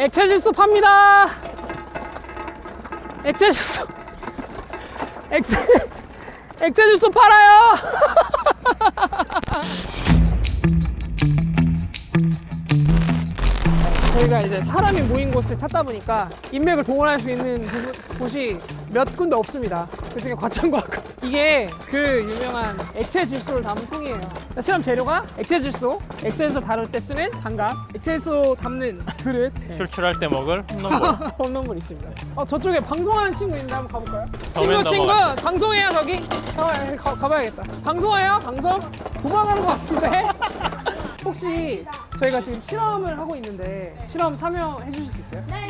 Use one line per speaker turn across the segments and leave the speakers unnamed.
액체 질소 팝니다. 액체 질소. 액체 질소 팔아요. 저희가 이제 사람이 모인 곳을 찾다 보니까 인맥을 동원할 수 있는 곳이 몇 군데 없습니다. 그중에 과천과학관. 이게 그 유명한 액체 질소를 담은 통이에요. 실험 재료가 액체 질소, 액체 질소 다룰 때 쓰는 장갑, 액체 질소 담는 그릇,
출출할 때 먹을 홈런볼.
홈런볼 있습니다. 저쪽에 방송하는 친구 있는데 한번 가볼까요?
더맨
친구
넘어가죠.
방송해요 저기. 가봐야겠다. 방송해요? 방송? 도망가는 것 같은데? 혹시 저희가 지금 실험을 하고 있는데 실험 참여해 주실 수 있어요?
네.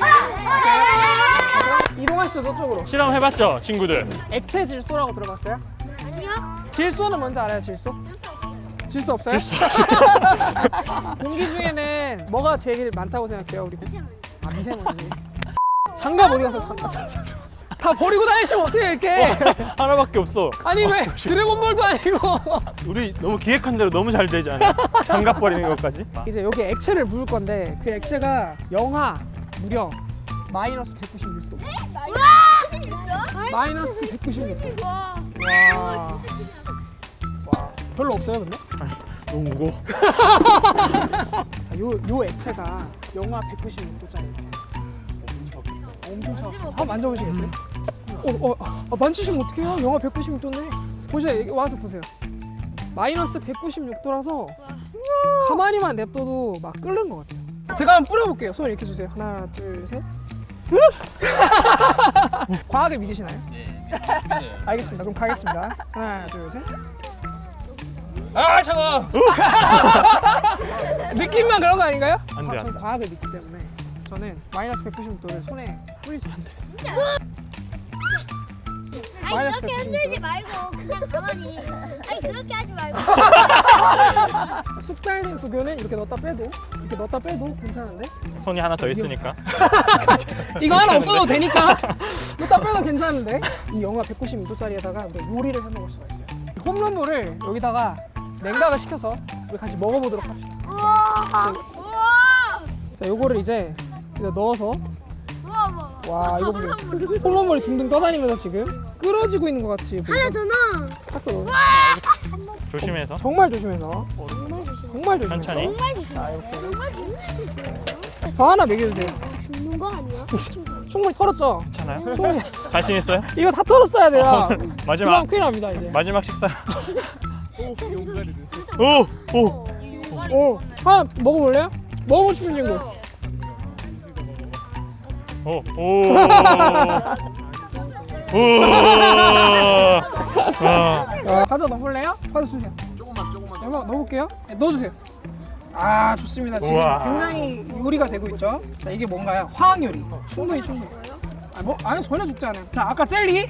이동하시죠 저쪽으로.
실험해봤죠, 친구들?
액체 질소라고 들어봤어요?
아니요.
질소는 뭔지 알아요? 질소? 질소 없어요? 공기 중에는 뭐가 제일 많다고 생각해요 우리? 미세먼지. 장갑 어디 가서 장갑. 다 버리고 다니시면 어떻게 이렇게?
하나밖에 없어.
아니 왜 드래곤볼도 아니고.
우리 너무 기획한 대로 너무 잘 되지 않아? 장갑 버리는 것까지?
이제 여기 액체를 부을 건데 그 액체가 영하 무려 마이너스 196도. 마이너스 196도.
와.
와. 별로 없어요 근데?
너무 무거워.
자, 요 액체가 영하 196도짜리지. 엄청 차갑습니다. 한번 만져보시겠어요? 만지시면 어떡해요? 영하 196도인데. 보세요. 여기 와서 보세요. 마이너스 196도라서 가만히만 냅둬도 막 끓는 것 같아요. 제가 한번 뿌려볼게요. 손 이렇게 주세요. 하나, 둘, 셋. 과학을 믿으시나요? 네. 알겠습니다. 그럼 가겠습니다. 하나, 둘, 셋.
아, 차가워!
느낌만 그런 거 아닌가요?
안 돼, 안
저는
돼.
과학을 믿기 때문에 저는 마이너스 196도를 손에 뿌릴 수 있어요.
아니
마이너스
그렇게
196
흔들지 말고 그냥 가만히. 아니 그렇게 하지 말고.
쑥달린 두교는 이렇게 넣었다 빼도 괜찮은데?
손이 하나 더 있으니까.
이거 하나 없어도 되니까 넣었다 빼도 괜찮은데? 이 영하 196도짜리에다가 우리 요리를 해 먹을 수가 있어요. 홈런볼을 여기다가 냉각을 시켜서 우리 같이 먹어보도록 합시다.
우와.
자, 요거를 이제 넣어서
우와.
와 이거 보세요. 홈런볼이 둥둥 떠다니면서 지금 끓어지고 있는 것 같이
하나 더 넣어.
딱 넣어.
조심해서.
정말 조심해서.
정말 조심.
정말 조심해서.
천천히.
정말 조심. 정말 조심해주세요.
저 하나 먹여주세요.
죽는 거 아니야?
충분히 털었죠?
괜찮아요?
충분히.
자신 있어요?
이거 다 털었어야 돼요.
마지막.
그럼 큰일 납니다 이제.
마지막 식사. 오! 오!
하나 먹어볼래요? 먹어보고 싶은 친구.
오! 오! 오!
과자 넣어볼래요? 과자 주세요. 조금만. 얼마 넣어볼게요. 네, 넣어주세요. 아 좋습니다. 지금
우와.
굉장히 요리가 되고 있죠. 자 이게 뭔가요? 화학 요리. 충분히. 아니 전혀 죽지 않아요. 자 아까 젤리.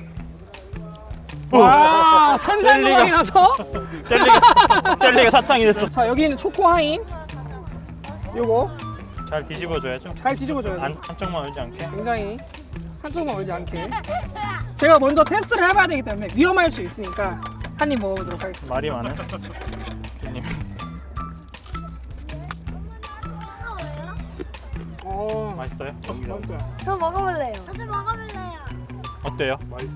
와 산산조각이 나서.
젤리가 사탕이 됐어.
자 여기는 초코 하인. 요거
잘 뒤집어줘야죠.
잘 뒤집어줘야죠.
한쪽만 얼지 않게.
굉장히 한쪽만 얼지 않게. 제가 먼저 테스트를 해봐야 되기 때문에 위험할 수 있으니까 한 입 먹어보도록 하겠습니다.
말이 많아. 괜히. 맛있어요?
저 먹어볼래요. 저도 먹어볼래요.
어때요?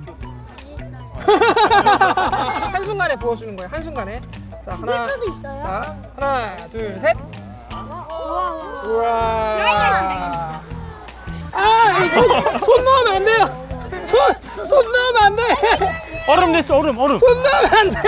한순간에 부어주는 거예요. 한순간에. 자 하나.
수도 있어요.
자 하나 둘 셋.
우와.
우와.
드라이기가
아, 손 넣으면 안 돼요. 손 넣으면 안 돼.
얼음 됐어, 얼음.
손 넣으면 안 돼.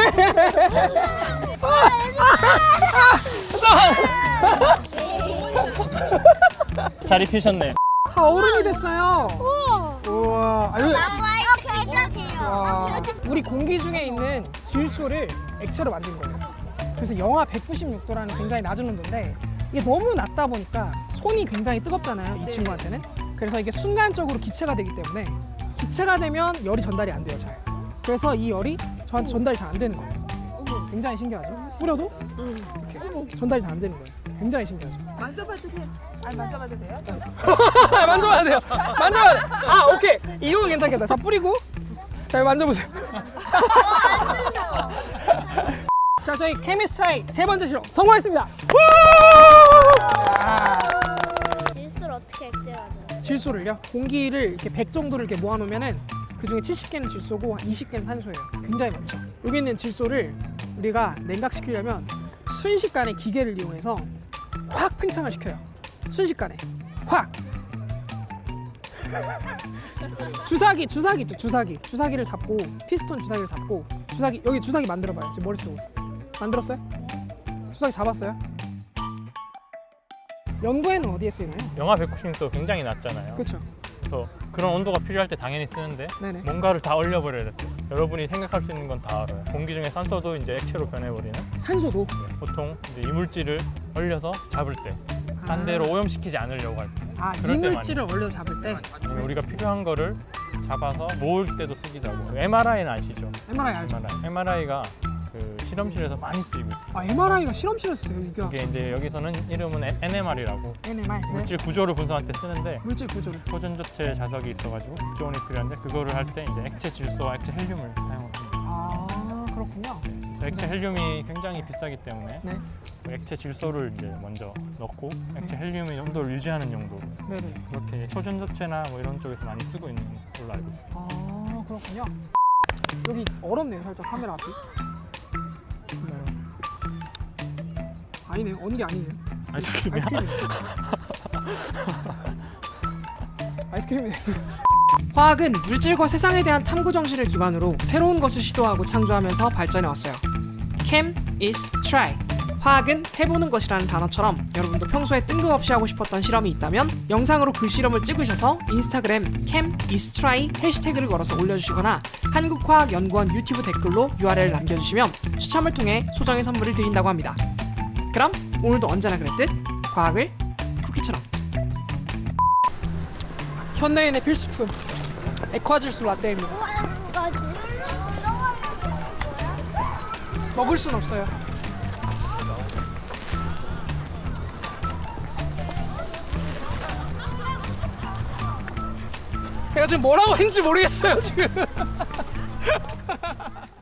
잘 입히셨네.
다 얼음이 됐어요.
우와.
우와. 아유.
괜찮대요.
와. 우리 공기 중에 있는 질소를 액체로 만든 거예요. 그래서 영하 196도라는 굉장히 낮은 온도인데 이게 너무 낮다 보니까 손이 굉장히 뜨겁잖아요. 이 친구한테는. 그래서 이게 순간적으로 기체가 되기 때문에 기체가 되면 열이 전달이 안 돼요. 잘. 그래서 이 열이 저한테 전달이 잘 안 되는 거예요. 굉장히 신기하죠? 뿌려도 이렇게 전달이 잘 안 되는 거예요. 굉장히 신기하죠?
만져봐도 돼요? 아니 만져봐도 돼요?
만져봐야 돼요. 만져봐야 돼. 아 오케이. 이건 괜찮겠다. 자 뿌리고 자 만져보세요. 자 저희 케미스트라이 세 번째 실험 성공했습니다.
질소를 어떻게 네, 맞아요.
질소를요? 공기를 이렇게 100 정도를 이렇게 모아놓으면은 그 중에 70개는 질소고 한 20개는 탄소예요. 굉장히 많죠. 여기 있는 질소를 우리가 냉각시키려면 순식간에 기계를 이용해서 확 팽창을 시켜요. 순식간에 확. 주사기 있죠. 주사기를 잡고 피스톤 주사기를 잡고 여기 주사기 만들어봐요. 제 머릿속으로 만들었어요? 주사기 잡았어요? 연구에는 어디에 쓰이나요?
영하 196도 굉장히 낮잖아요.
그렇죠.
그래서 그런 온도가 필요할 때 당연히 쓰는데
네네.
뭔가를 다 얼려버려야 돼. 여러분이 생각할 수 있는 건 다 알아요. 공기 중에 산소도 이제 액체로 변해버리는.
산소도.
보통 이제 이물질을 얼려서 잡을 때, 딴 데로 오염시키지 않으려고 할 때. 그럴 때
이물질을 얼려 잡을 때
아니면 우리가 필요한 거를 잡아서 모을 때도 쓰기도 하고. MRI는 아시죠?
MRI 알죠?
MRI가 그 실험실에서 많이 쓰이고 있어요.
MRI가 실험실에서 써요. 이게
이게 이제 여기서는 이름은 NMR이라고
NMR. 네.
물질 구조를 분석할 때 쓰는데
물질 구조를.
호전조체 자석이 있어가지고 극조온이 필요한데 그거를 할 때 이제 액체 질소와 액체 헬륨을 사용합니다.
아 그렇군요.
그래서 액체 헬륨이 굉장히 비싸기 때문에
네.
그 액체 질소를 이제 먼저 넣고 액체 헬륨의 온도를 유지하는 용도로
네네.
그렇게 초전조체나 뭐 이런 쪽에서 많이 쓰고 있는 걸로 알고 있습니다.
아 그렇군요. 여기 얼었네요 살짝 카메라 앞이. 아니네요. 어는 게 아니네요.
아이스크림이야?
아이스크림이네. 화학은 물질과 세상에 대한 탐구 정신을 기반으로 새로운 것을 시도하고 창조하면서 발전해 왔어요. Chem is try. 화학은 해보는 것이라는 단어처럼 여러분도 평소에 뜬금없이 하고 싶었던 실험이 있다면 영상으로 그 실험을 찍으셔서 인스타그램 Chem is try 해시태그를 걸어서 올려주시거나 한국화학연구원 유튜브 댓글로 URL을 남겨주시면 추첨을 통해 소정의 선물을 드린다고 합니다. 그럼 오늘도 언제나 그랬듯 과학을 쿠키처럼. 현대인의 필수품 액화질소 라떼입니다. 먹을 순 없어요. 제가 지금 뭐라고 했는지 모르겠어요 지금.